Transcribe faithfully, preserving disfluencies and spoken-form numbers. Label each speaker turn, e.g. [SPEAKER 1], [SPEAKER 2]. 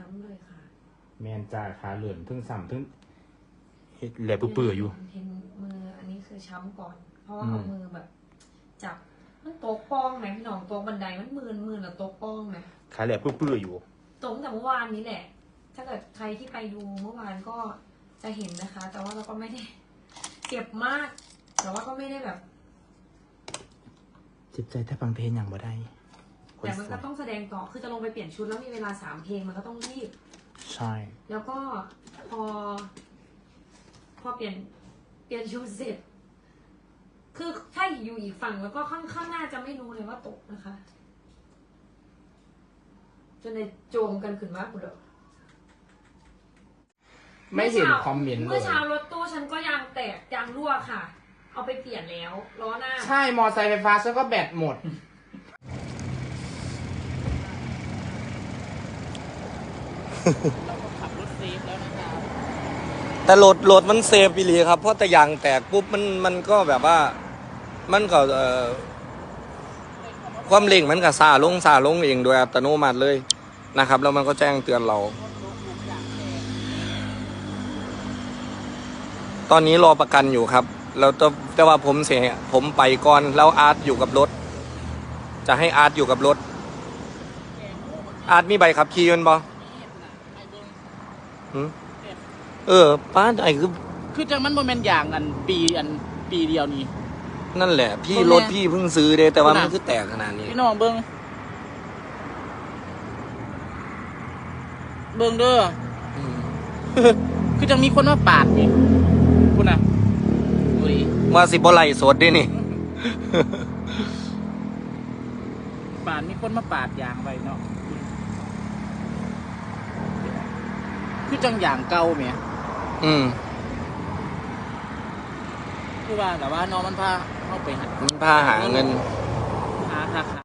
[SPEAKER 1] ช้ำเลยค่ะ
[SPEAKER 2] แมนจ่าขาเหลือนทึ่งซ้ำทึ่งแหลบเปื่อยอยู่
[SPEAKER 1] เห็นมืออันนี้คือช้ำก่อน เพราะว่าเอามือแบบจับมันโต๊ะป้องไหมพี่น้องโต๊ะบันไดมันมืนมืนหรือโต๊ะป้องไหม
[SPEAKER 2] ขาแหลบเปื่อยอยู่
[SPEAKER 1] ตรงแต่เมื่อวานนี้แหละ ถ้าเกิดใครที่ไปดูเมื่อวานก็จะเห็นนะคะ แต่ว่าเราก็ไม่ได้เจ็บมาก แต่ว่าก็ไม่ได้แบบ
[SPEAKER 2] เจ็บใจถ้าฟังเพลงอย่างบ่ได้
[SPEAKER 1] แต่มันก็ต้องแสดงต่อคือจะลงไปเปลี่ยนชุดแล้วมีเวลาสามเพลงมันก็ต้องรีบ
[SPEAKER 2] ใช่
[SPEAKER 1] แล้วก็พอ พอเปลี่ยนเปลี่ยนชุดเสร็จ คือถ้าอยู่อีกฝั่งแล้วก็ข้างข้างหน้าจะไม่รู้เลยว่าตกนะคะจนในโจมกันขึ้นมากกูเด้อ
[SPEAKER 2] ไม่เห็นคอมเมนต์เลย
[SPEAKER 1] เมื่อเช้ารถตู้ฉันก็ยางแตกยางรั่วค่ะ เอาไปเปลี่ยนแล้วล้อหน้า
[SPEAKER 2] ใช่มอไซค์ไฟฟ้าฉันก็แบตหมด
[SPEAKER 3] เราก็ขับรถเซฟแล้วนะครับ
[SPEAKER 4] แต่โหลดโหลดมันเซฟไปเลยครับเพราะแต่ยางแตกปุ๊บมันมันก็แบบว่ามันก็เอ่อความเร่งมันก็ซาลงซาลงเองโดยอัตโนมัติเลยนะครับแล้วมันก็แจ้งเตือนเราตอนนี้รอประกันอยู่ครับแล้วแต่ว่าผมเสียผมไปก่อนแล้วอาร์ตอยู่กับรถจะให้อาร์ตอยู่กับรถอาร์ตมีใบขับขี่ยนต์บ่เออป้าไอ้คือ
[SPEAKER 3] คือจังมันโมเมนต์อย่างอันปีอันปีเดียวนี้
[SPEAKER 4] นั่นแหละพี่รถพี่เพิ่งซื้อเด้แต่ว่ามันคือแตกขนาดนี้
[SPEAKER 3] พี่น้องเบิ้งเบิ้งเด้อคือจังมีคนมาปาดนี่คุณน่ะดูดิ
[SPEAKER 4] ว่าสิบ่ไล่สดดินี่
[SPEAKER 3] ปาดมีคนมาปาดยางไว้เนาะคือจังอย่างเก่าเมีย
[SPEAKER 4] อืม
[SPEAKER 3] คือว่าแต่ว่าน้องมันพาเข้าไปหา
[SPEAKER 4] มันพาหาเงิน
[SPEAKER 3] หาหา